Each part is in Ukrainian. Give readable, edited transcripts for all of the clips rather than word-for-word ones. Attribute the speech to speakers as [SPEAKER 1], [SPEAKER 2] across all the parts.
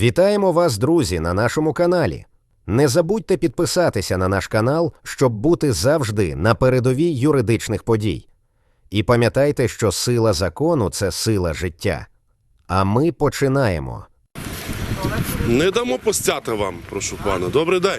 [SPEAKER 1] Вітаємо вас, друзі, на нашому каналі. Не забудьте підписатися на наш канал, щоб бути завжди на передовій юридичних подій. І пам'ятайте, що сила закону – це сила життя. А ми починаємо.
[SPEAKER 2] Не дамо постяти вам, прошу пана. Добрий день.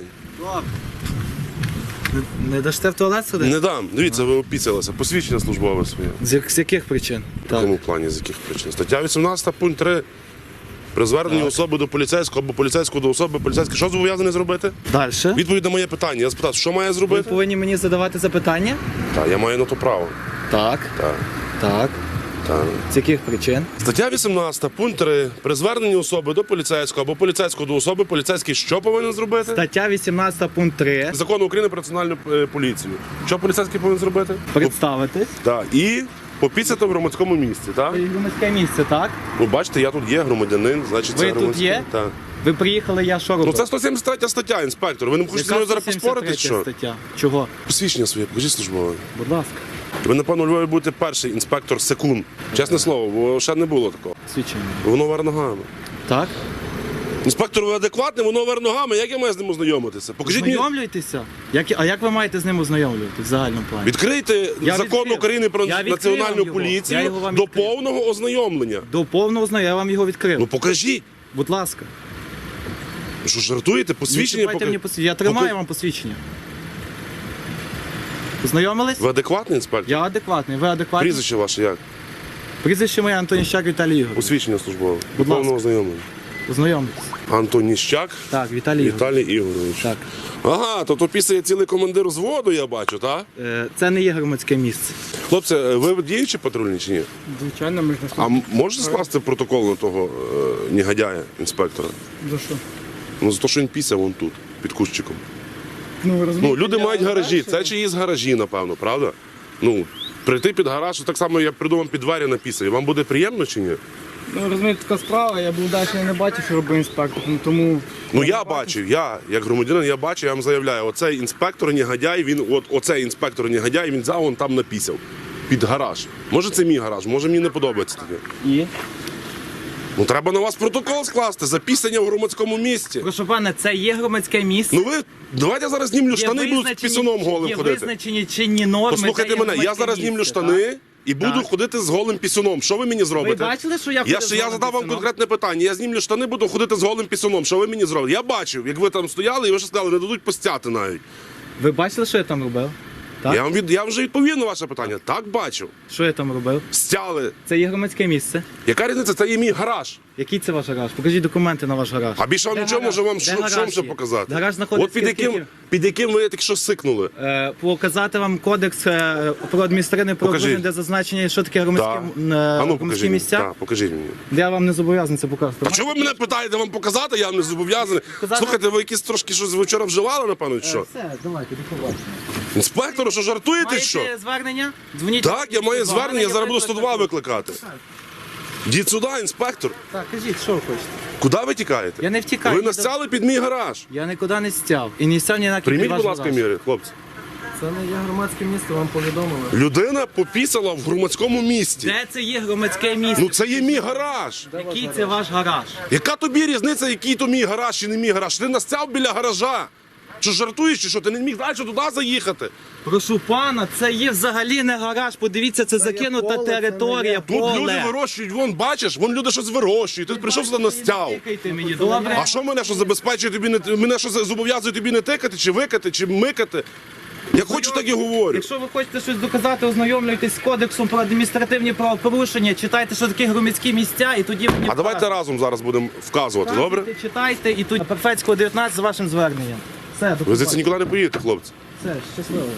[SPEAKER 3] Не дасте в туалет сюди?
[SPEAKER 2] Не дам. Дивіться, ви опіцялися. Посвідчення службове своє.
[SPEAKER 3] З яких причин?
[SPEAKER 2] В якому плані, з яких причин? Стаття 18, пункт 3. При зверненні особи до поліцейського або поліцейського до особи, поліцейський що зобов'язаний зробити?
[SPEAKER 3] Далі.
[SPEAKER 2] Відповідь на моє питання. Я спитав, що має
[SPEAKER 3] Ви
[SPEAKER 2] зробити?
[SPEAKER 3] повинні мені задавати запитання?
[SPEAKER 2] Так, я маю на то право.
[SPEAKER 3] Так.
[SPEAKER 2] Так,
[SPEAKER 3] Так.
[SPEAKER 2] так.
[SPEAKER 3] З яких причин?
[SPEAKER 2] Стаття 18, пункт 3. При зверненні особи до поліцейського або поліцейського до особи, поліцейський що повинен зробити?
[SPEAKER 3] Стаття 18 пункт 3.
[SPEAKER 2] Закону України про національну поліцію. Що поліцейський повинен зробити?
[SPEAKER 3] Представитись.
[SPEAKER 2] Так, і попіцяти в громадському місці, так?
[SPEAKER 3] Ви громадське місце, так?
[SPEAKER 2] Ну, бачите, я тут є громадянин, значить
[SPEAKER 3] Ви
[SPEAKER 2] це
[SPEAKER 3] тут
[SPEAKER 2] громадський.
[SPEAKER 3] є?
[SPEAKER 2] Так.
[SPEAKER 3] Ви приїхали, я що робив?
[SPEAKER 2] Ну це 173 стаття, інспектор. Ви не хочете зі мною зараз поспорити, чи що?
[SPEAKER 3] Стаття. Чого?
[SPEAKER 2] Посвідчення своє, покажіть службове.
[SPEAKER 3] Будь ласка.
[SPEAKER 2] Ви, напевно, у Львові будете перший інспектор секунд. Чесне слово, бо ще не було такого.
[SPEAKER 3] Свідчення.
[SPEAKER 2] Воно вер ногами.
[SPEAKER 3] Так?
[SPEAKER 2] Інспектор, ви адекватний, воно вер ногами. Як я маю з ним ознайомитися? Покажіть мені.
[SPEAKER 3] Ознайомлюйтеся? А як ви маєте з ним ознайомлювати в загальному плані?
[SPEAKER 2] Відкрийте
[SPEAKER 3] Я
[SPEAKER 2] закон
[SPEAKER 3] відкрив.
[SPEAKER 2] України про
[SPEAKER 3] Я відкрив
[SPEAKER 2] національну
[SPEAKER 3] його. Я
[SPEAKER 2] поліцію
[SPEAKER 3] його вам
[SPEAKER 2] до
[SPEAKER 3] відкрив.
[SPEAKER 2] повного ознайомлення.
[SPEAKER 3] До повного ознайомлення, я вам його відкрив.
[SPEAKER 2] Ну покажіть.
[SPEAKER 3] Будь ласка.
[SPEAKER 2] Ви що, жартуєте? Посвідчення
[SPEAKER 3] Не чіпайте мені посвідчення. Я тримаю вам посвідчення. Познайомились?
[SPEAKER 2] Ви адекватний інспектор?
[SPEAKER 3] Я адекватний. Ви адекватний?
[SPEAKER 2] Прізвище ваше як?
[SPEAKER 3] Прізвище моє Антоніщак Віталій Ігорович.
[SPEAKER 2] Посвідчення службове. До
[SPEAKER 3] Будь ласка.
[SPEAKER 2] повного ознайомлення.
[SPEAKER 3] Познайомтесь.
[SPEAKER 2] Антоніщак
[SPEAKER 3] Так, Віталій Ігорович.
[SPEAKER 2] Віталій Ігорович.
[SPEAKER 3] Так.
[SPEAKER 2] Ага, то після цілий командир взводу, я бачу, так?
[SPEAKER 3] Це не є громадське місце.
[SPEAKER 2] Хлопці, ви діючі патрульні чи ні?
[SPEAKER 3] Звичайно, ми ж
[SPEAKER 2] А можете скласти протокол на того негодяя, інспектора?
[SPEAKER 3] За що?
[SPEAKER 2] Ну, за те, що він пісяв вон тут, під кущиком.
[SPEAKER 3] Ну, ви розумієте,
[SPEAKER 2] Ну, люди мають гаражі, це чиїсь гаражі, напевно, правда? Ну, прийти під гараж, так само, як придумав під двері написав. Вам буде приємно чи ні?
[SPEAKER 4] Ну, розумієте, така справа, я був далі не бачив, що робив інспектор, тому...
[SPEAKER 2] Ну, я бачив, як громадянин, я бачив, я вам заявляю, оцей інспектор негодяй, оцей інспектор негодяй, він взяв, вон там написав. Під гараж. Може це мій гараж, може мені не подобається таке.
[SPEAKER 4] І?
[SPEAKER 2] Ну треба на вас протокол скласти за пісення в громадському місці.
[SPEAKER 3] Прошу пане, це є громадське місце.
[SPEAKER 2] Ну ви, давайте я зараз знімлю штани і буду з пісюном голим
[SPEAKER 3] є
[SPEAKER 2] ходити.
[SPEAKER 3] визначені чинні норми.
[SPEAKER 2] Послухайте
[SPEAKER 3] це є
[SPEAKER 2] мене, я
[SPEAKER 3] громадське
[SPEAKER 2] зараз знімлю
[SPEAKER 3] місце,
[SPEAKER 2] штани і буду
[SPEAKER 3] Так.
[SPEAKER 2] ходити з голим пісюном. Що ви мені зробите?
[SPEAKER 3] Ви бачили, що я
[SPEAKER 2] Я
[SPEAKER 3] ходив з голим
[SPEAKER 2] задав вам
[SPEAKER 3] пісюном?
[SPEAKER 2] конкретне питання. Я знімлю штани, буду ходити з голим пісюном. Що ви мені зробите? Я бачив, як ви там стояли, і ви ще сказали, не дадуть постяти навіть.
[SPEAKER 3] Ви бачили, що я там робив? Так?
[SPEAKER 2] Я вже відповів на ваше питання. Так бачив.
[SPEAKER 3] Що я там робив?
[SPEAKER 2] Стяли.
[SPEAKER 3] Це є громадське місце.
[SPEAKER 2] Яка різниця? Це є мій гараж.
[SPEAKER 3] Який це ваш гараж? Покажіть документи на ваш гараж.
[SPEAKER 2] А більше вам
[SPEAKER 3] Де
[SPEAKER 2] нічого
[SPEAKER 3] гараж?
[SPEAKER 2] може вам
[SPEAKER 3] Де
[SPEAKER 2] що
[SPEAKER 3] гараж
[SPEAKER 2] ще
[SPEAKER 3] є?
[SPEAKER 2] показати?
[SPEAKER 3] Гараж знаходиться
[SPEAKER 2] От під яким ви тільки що сикнули.
[SPEAKER 3] Показати вам кодекс про адміністративне правопорушення, де зазначення, що таке
[SPEAKER 2] Так.
[SPEAKER 3] громадські місця.
[SPEAKER 2] Так, покажіть мені.
[SPEAKER 3] Я вам не зобов'язаний це показувати.
[SPEAKER 2] А чого ви мене питаєте вам показати? Я вам не зобов'язаний.
[SPEAKER 3] Показати?
[SPEAKER 2] Слухайте, ви якісь трошки щось вчора вживали, напевно, чи що?
[SPEAKER 3] Все, давайте, до побачення.
[SPEAKER 2] Інспектору, що жартуєте, що?
[SPEAKER 3] Маєте звернення? Дзвоніть.
[SPEAKER 2] Так, я маю
[SPEAKER 3] 102,
[SPEAKER 2] звернення, я зараз буду 102 викликати. Діть сюди, інспектор.
[SPEAKER 3] Так, кажіть, що ви хочете?
[SPEAKER 2] Куди ви тікаєте?
[SPEAKER 3] Я не втікаю.
[SPEAKER 2] Ви настяли під мій гараж.
[SPEAKER 3] Я нікуди не стяв. І не стяв ні на
[SPEAKER 2] Прийміть, будь ласка, міри, хлопці.
[SPEAKER 4] Це не є громадське місце, вам повідомили.
[SPEAKER 2] Людина попісала в громадському місці.
[SPEAKER 3] Де це є громадське місце?
[SPEAKER 2] Ну це є мій гараж.
[SPEAKER 3] Який це ваш гараж?
[SPEAKER 2] Яка тобі різниця, який то мій гараж чи не мій гараж? Ти настяв біля гаража. Що жартуєш, чи що? Ти не міг далі туди заїхати?
[SPEAKER 3] Прошу пана, це є взагалі не гараж. Подивіться, це закинута
[SPEAKER 4] поле, це
[SPEAKER 3] територія,
[SPEAKER 2] Тут люди
[SPEAKER 3] поле.
[SPEAKER 2] вирощують, вон бачиш, вон люди щось вирощують. Ти прийшов сюди настяв.
[SPEAKER 3] Тикайте мені, добре?
[SPEAKER 2] А що мене що забезпечує тобі не мене що зобов'язує тобі не тикати, чи викати, чи микати? Я хочу, так і говорю.
[SPEAKER 3] Якщо ви хочете щось доказати, ознайомлюйтесь з кодексом про адміністративні правопорушення, читайте, що таке громадські місця, і тоді мені
[SPEAKER 2] А давайте разом зараз будемо вказувати, добре?
[SPEAKER 3] читайте, і тут Перфецького 19 з вашим зверненням. Все, до
[SPEAKER 2] Ви
[SPEAKER 3] побачення.
[SPEAKER 2] звідси нікуди не поїдете, хлопці.
[SPEAKER 3] Все, щасливо.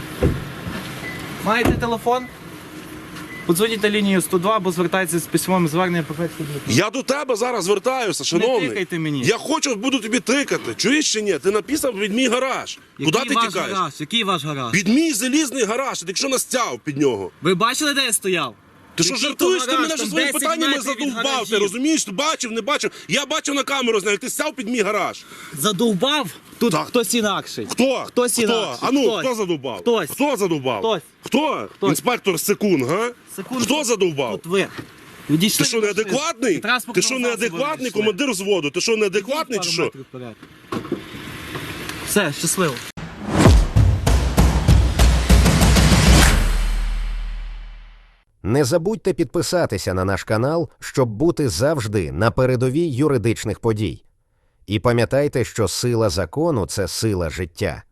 [SPEAKER 3] Маєте телефон? Подзвоніть на лінію 102, або звертайтеся з письмовим зверненням Перфецького 19.
[SPEAKER 2] Я до тебе зараз звертаюся, шановний.
[SPEAKER 3] тикайте мені.
[SPEAKER 2] Я хочу, буду тобі тикати. Чуєш чи ні? Ти написав під мій гараж. Куди ти
[SPEAKER 3] ваш
[SPEAKER 2] тікаєш?
[SPEAKER 3] гараж? Який ваш гараж?
[SPEAKER 2] Під мій залізний гараж, ти якщо настяв під нього.
[SPEAKER 3] Ви бачили, де я стояв?
[SPEAKER 2] Ти що
[SPEAKER 3] Який
[SPEAKER 2] жартуєш?
[SPEAKER 3] то
[SPEAKER 2] Ти
[SPEAKER 3] гараж?
[SPEAKER 2] мене вже
[SPEAKER 3] Там
[SPEAKER 2] своїми
[SPEAKER 3] 10
[SPEAKER 2] питаннями
[SPEAKER 3] метрів від
[SPEAKER 2] задовбав. Ти
[SPEAKER 3] гаражів.
[SPEAKER 2] розумієш? Ти бачив, не бачив? Я бачив на камеру, знаю, ти стяв під мій гараж.
[SPEAKER 3] Задовбав? Тут
[SPEAKER 2] Так.
[SPEAKER 3] хтось інакший.
[SPEAKER 2] Хто?
[SPEAKER 3] Хтось інакший.
[SPEAKER 2] А ну,
[SPEAKER 3] Хтось.
[SPEAKER 2] хто задовбав?
[SPEAKER 3] Хтось.
[SPEAKER 2] Хто задовбав?
[SPEAKER 3] Хтось.
[SPEAKER 2] Хто?
[SPEAKER 3] Хтось.
[SPEAKER 2] Інспектор Секунд, га?
[SPEAKER 3] Секунду.
[SPEAKER 2] Хто задовбав?
[SPEAKER 3] Тут ви. Відійшли
[SPEAKER 2] Ти що,
[SPEAKER 3] від машини.
[SPEAKER 2] неадекватний?
[SPEAKER 3] Від транспортного
[SPEAKER 2] Ти що,
[SPEAKER 3] засобу
[SPEAKER 2] неадекватний,
[SPEAKER 3] відійшли.
[SPEAKER 2] командир взводу? Ти що, неадекватний чи
[SPEAKER 3] Пару
[SPEAKER 2] що?
[SPEAKER 3] метрів вперед. Все, щасливо.
[SPEAKER 1] Не забудьте підписатися на наш канал, щоб бути завжди на передовій юридичних подій. І пам'ятайте, що сила закону – це сила життя.